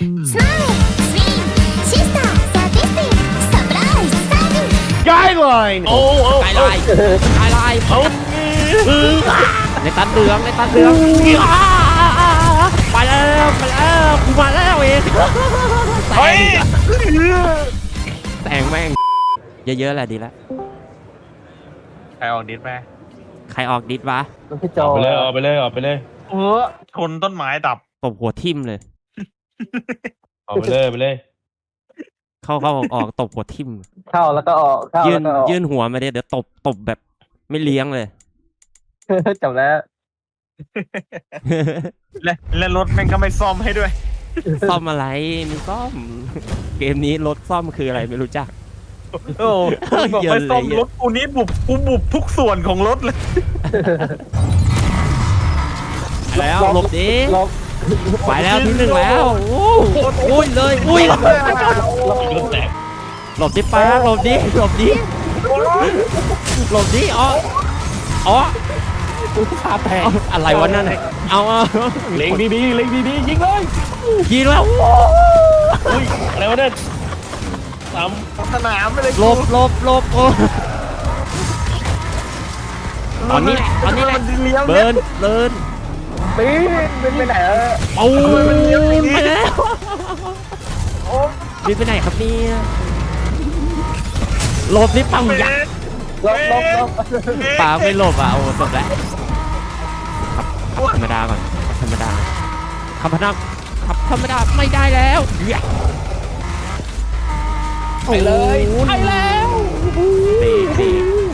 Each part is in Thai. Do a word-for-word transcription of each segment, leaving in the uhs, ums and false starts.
Skyline โอ้โอ้ไกด์ไลน์ไกด์ไลน์เอาในตันเหลืองในตันเหลืองไปแล้วไปแล้วกูมาแล้วเองแต่งแต่งแม่งเยอะๆแหละดีแล้วใครออกดิสไหมใครออกดิสวะออกไปเลยออกไปเลยออกไปเลยเออชนต้นไม้ดับตบหัวทิ่มเลยออกไปเลยไปเลยเข้าเข้าออกออกตบหัวทิ่มเข้าแล้วก็ออกยื่นยื่นหัวมาเดี๋ยวเดี๋ยวตบตบแบบไม่เลี้ยงเลยจบแล้วและและรถแม่งก็ไม่ซ่อมให้ด้วยซ่อมอะไรมีซ่อมเกมนี้รถซ่อมคืออะไรไม่รู้จักโอ้บอกไม่ซ่อมรถกูนี้บุบกูบุบทุกส่วนของรถเลยแล้วหลบดิไปแล้วที่หนึ่งแล้วอุ้ยเลยอุ้ยหลบดิไปหลบดิหลบดิหลบดิอ๋ออ๋อขาแตกอะไรวะนั่นเอาเล็งดีๆเล็งดีๆยิงเลยยิงแล้วอุ้ยอะไรวะเนี่ยสามสนามไปเลยหลบหลบหลบโอ้ตอนนี้ตอนนี้แหละเบิร์นเบิร์นปีนเป็นไปไหนเออโอ้ยไปแล้วบินไปไหนครับเนี่ยหลบนี่ปังยักษ์หลบหลบหลบปาไม่หลบอ่ะโอ้จบแล้วขับธรรมดาก่อนธรรมดาขับธรรมดาขับธรรมดาไม่ได้แล้วไปเลยไปแล้วตีตี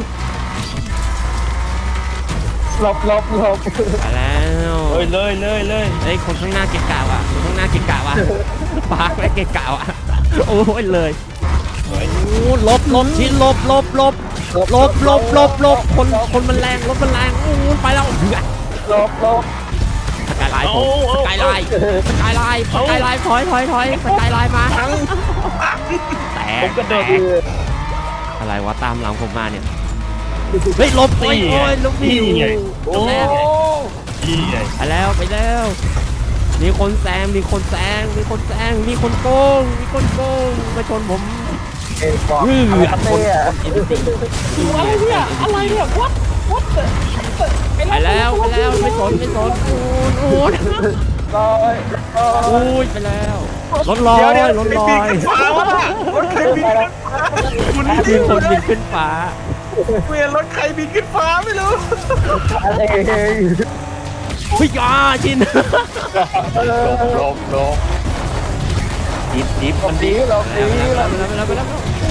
หลบหลบหลบไปแล้วเลยเลยเลยเลยเฮ้ยคนข้างหน้าเกะกะว่ะคนข้างหน้าเกะกะว่ะปาไม่เกะกะว่ะโอ้ยเลยโอ้ลบลบชิ้นลบลบลบลบลบลบลบคนคนมันแรงรถมันแรงโอ้ไปแล้วลบลบสกายไลน์ผมสกายไลน์สกายไลน์สกายไลน์ถอยถอยถอยสกายไลน์มาแตกแตกอะไรวะตามหลังผมมาเนี่ยเฮ้ยลบโอ้ยโอ้ยลบนี่จบแล้วไปแล้วไปแล้วมีคนแซงมีคนแซงมีคนแซงมีคนโกงมีคนโกงมาชนผมอือคนอะไรเนี่ยอะไรเนี่ยวัดวัดไปแล้วไปแล้วไม่สนไม่สนโอ้ยโอ้ยลอยโอ้ยไปแล้วรถลอยรถลอยรถใครบินคุณมีคนบินขึ้นฟ้าเวียนรถใครบินขึ้นฟ้าไม่รู้อะไรพี่ยาชินลบลบดิบดิบมันดิบลบดีแล้วไปแล้วไปแล้ว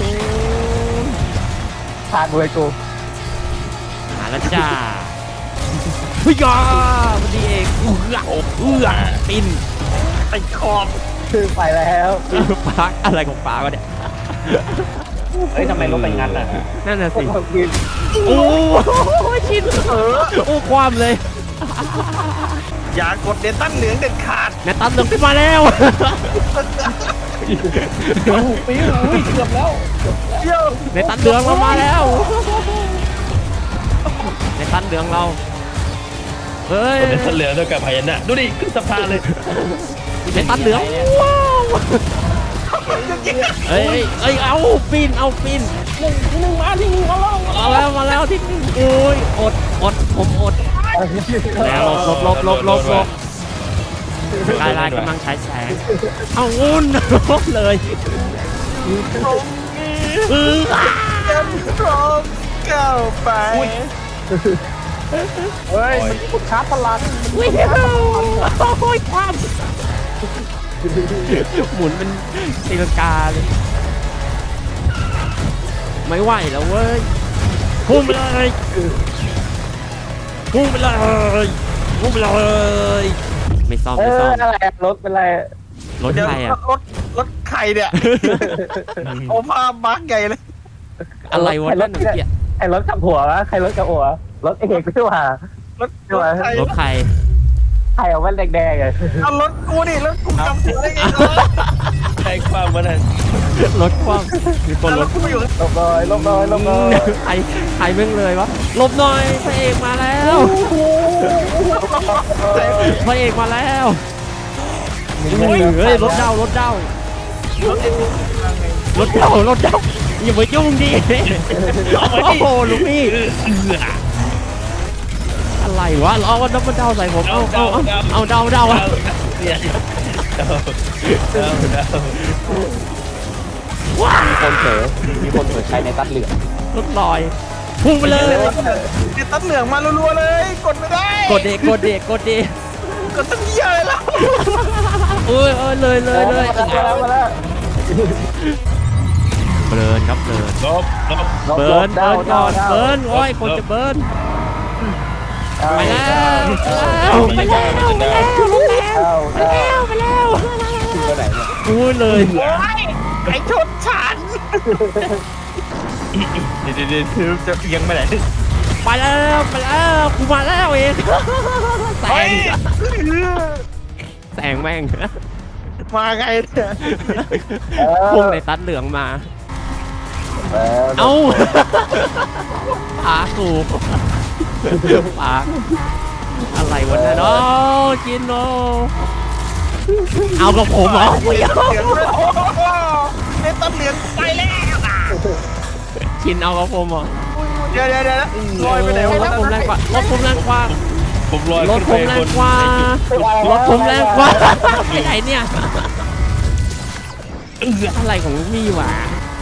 ทางเลยกูหาแล้วจ้าพี่ยามันดีเองเอื้อเอื้อปินไอ้ขอบคือไปแล้วปาอะไรของปาวะเนี่ยเฮ้ยทำไมรถไปงั้นอ่ะนั่นน่ะสิโอ้ชินเออโอ้ความเลยอย่ากดเดตันเหลืองเด็ดขาดเดตันเหลืองขึ้นมาแล้วปี๋อุ้ยเกือบแล้วเดตันเหลืองเรามาแล้วเดตันเหลืองเราเฮ้ยเดตันเหลืองด้วยกับพยัญชนะดูดิขึ้นสะพานเลยเดตันเหลืองว้าวเฮ้ยเอ้ยเอาปีนเอาปีนหนึ่งที่หนึ่งมาที่หนึ่งมาแล้วมาแล้วมาแล้วที่หนึ่งโอ้ยอดอดผมอดแล้วลบลบลบลบลบกายลายกำลังใช้แสงเอางุ่นลบเลยเออยังพร้อมก้าวไปเฮ้ยมันกดชาร์จพลังวิ่งโอ้ยความหมุนเป็นตีลังกาเลยไม่ไหวแล้วเว้ยพุ่งไปเลยพุ่งไปเลยพุ่งไปเลยไม่ซ่อมไม่ซ่อมอะไรรถเป็นไรรถใครอะรถรถใครเนี่ยโอ้ภาพบั๊กใหญ่เลยอะไรวะนั่นเนี่ยไอ้รถขับหัววะใครรถกับหัวรถเอกไม่ว่ารถรถใครใครเอาแว่นแดงๆเลยเอารถกูดิรถกูจำหัวได้ไงใครคว้างมาเลยรถคว้างมีคนรถกูอยู่ลบหน่อยลบหน่อยลบหน่อยใครใครเม่งเลยวะลบหน่อยพระเอกมาแล้วพระเอกมาแล้วเฮ้ยรถเด้ารถเด้ารถเอ็นยังไงรถเด้ารถเด้าอย่าไปยุ่งดิโอ้โหลูกพี่อะไรวะล้อว่าน้ำมันเด้าใส่ผมเอาเอาเอาเอาเด้าเด้าอะเนี่ยเดาเดาเดาว้ามีคนเผลอมีคนเผลอใช้ในตัดเหลืองรถลอยพุ่งไปเลยเนี่ยตัดเหลืองมารัวๆเลย กดไม่ได้กดเด็กกดเด็กกดเด็กกดตั้งเยอะเลยแล้วเอ้ยเอ้ยเลยเลยเลยมาแล้วมาแล้วเบิร์นครับเบิร์นลบลบเบิร์นเบิร์นก่อนเบิร์นโอ้ยคนจะเบิร์นไปแล้วไปแล้วไปแล้วไปแล้วไปแล้วไปแล้วถึงไปไหนเนี่ยอุ้ยเลยโอ้ยไอ้ชนฉันเดี๋ยวเดี๋ยวเดี๋ยวจะเอียงไปไหนไปแล้วไปแล้วกูมาแล้วเองแซงแซงแม่งมาไงเนี่ยพุ่งในตัดเหลืองมา เอ้าปากูปาอะไรวะเนี่ยเนาะจินโนเอากับผมเหรอเหลืองเลยโอ้โหเนี่ยตัดเหลืองไปแล้วอ่ะชินเอากับผมเหรอเดี๋ยวเดี๋ยวเดี๋ยวลอยไปไหนรวะถผมแรงกว่ารถผมแรงกว่าผมลอยรถผมแรงกว่ารถผมแรงกว่าไปไหนเนี่ยอะไรของมีวะ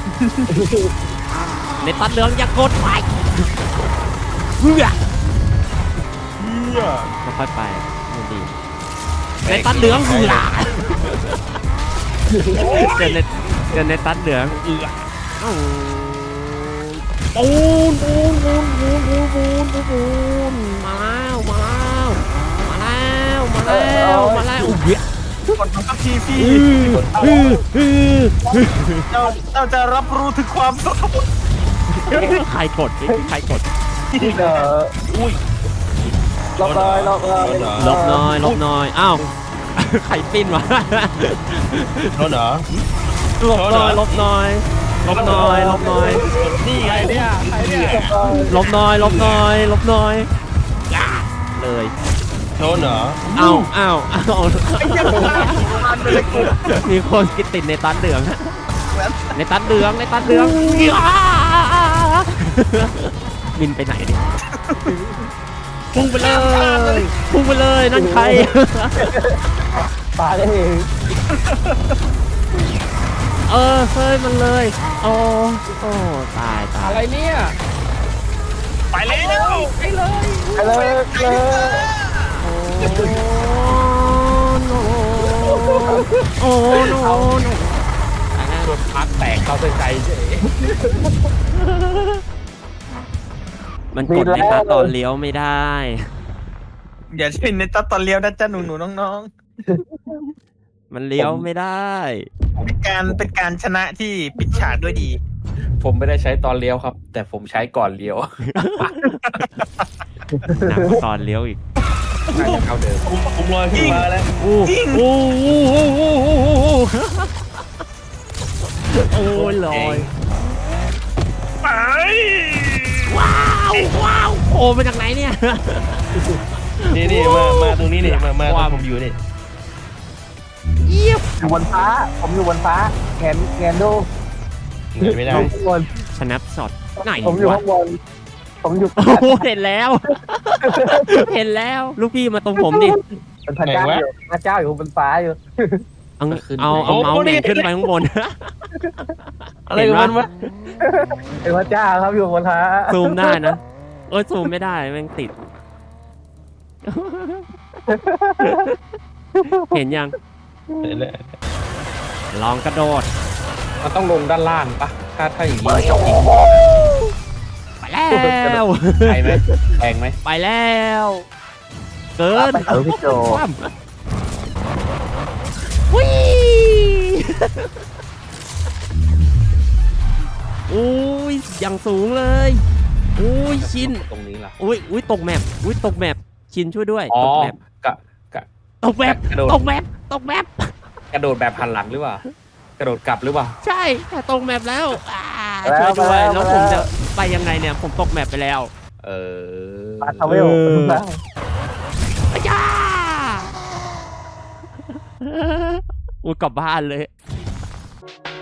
ในตัดเหลืองอย่ากดไปเพื่อไม่ค่อยไปไม่ดีในตัดเหลืองเหือเดินในเดินในตัดเหลืองเอือปูนปูนปูนปูนปูนปูนปูนปูนมาแล้วมาแล้วมาแล้วมาแล้วมาแล้วอุ้ยกดมาสักทีพี่ฮือฮือเจ้าเจ้าจะรับรู้ถึงความสุขใครกดใครกดที่เดออุ้ยลบเลยลบเลยลบน้อยลบน้อยอ้าวใครปิ้นวะรถเหรอลบน้อยลบน้อยลบน้อยลบน้อยนี่ไงเนี่ยใครเนี่ยลบน้อยลบน้อยลบน้อยเลยโดนเหรออ้าวอ้าวอ้าวไอ้เหี้ยมันไปเลยกูมีคนกินติดในตันเหลืองในตันเหลืองในตันเหลืองบินไปไหนดิพุ่งไปเลยพุ่งไปเลยนั่นใครปาได้เองเออเฮ้ยมันเลยโอ้โอ้ตายตายอะไรเนี่ยไปแล้วไปเลยไปเลยเลยโอ้โนโนโนรถพักแตกเข้าใจเฉยมันกดในตาตอนเลี้ยวไม่ได้อย่าเช่นในตัดตอนเลี้ยวนะจ๊ะหนูหนูน้องมันเลี้ยวไม่ได้ๆเป็นการเป็นการชนะที่ปิดฉากด้วยดีผมไม่ได้ใช้ตอนเลี้ยวครับ แต่ผมใช้ก่อนเลี้ยวหนักกว่าตอนเลี้ยวอีกน่าจะเข้าเดิมผมผมลอยขึ้นมาแล้วอู้อู้อู้อู้อู้อู้โอ้ยลอยไปว้าวว้าวโอ้มาจากไหนเนี่ยนี่นี่มามาตรงนี้นี่มามาตรงผมอยู่นี่เยี่ยมอยู่บนฟ้า ผมอยู่บนฟ้าแงนแงนดูเหนื่อยไม่ได้ข้างบนสแนปช็อตไหนผมอยู่วะข้างบน ผมอยู่โอ้โหเห็นแล้ว เห็นแล้วลูกพี่มาตรงผมดิเป็นพระเจ้าอยู่พระเจ้าอยู่บนฟ้าอยู่เอาเอาเอาเมาส์เนี่ยขึ้นไปข้างบนอะไรกันมันวะเป็นพระเจ้าครับอยู่บนฟ้าซูมได้นะเอ้ยซูมไม่ได้แม่งติด เห็นยังลองกระโดดมันต้องลงด้านล่างปะถ้าถ้าอย่างนี้ไปแล้วแพงไหมแพงไหมไปแล้ว เกินไปหาพี่โจคว่ำวิ่อุ้ยอย่างสูงเลยอุ้ยชินตรงนี้ล่ะอุ้ยอุ้ยตกแมปอุ้ยตกแมปชินช่วยด้วยอ๋อตกแมปกะกะตกแมปกระโดดตกแมปตกแมปกระโดดแบบหันหลังหรือเปล่ากระโดดกลับหรือเปล่าใช่แต่ตกแมปแล้วอ่าแล้ช่ววยด้วยมาแล้วแล้วผมจะไปยังไงเนี่ย ผมตกแมปไปแล้วเออปาทาเวลอาจาอุ้ยกลับบ้านเลย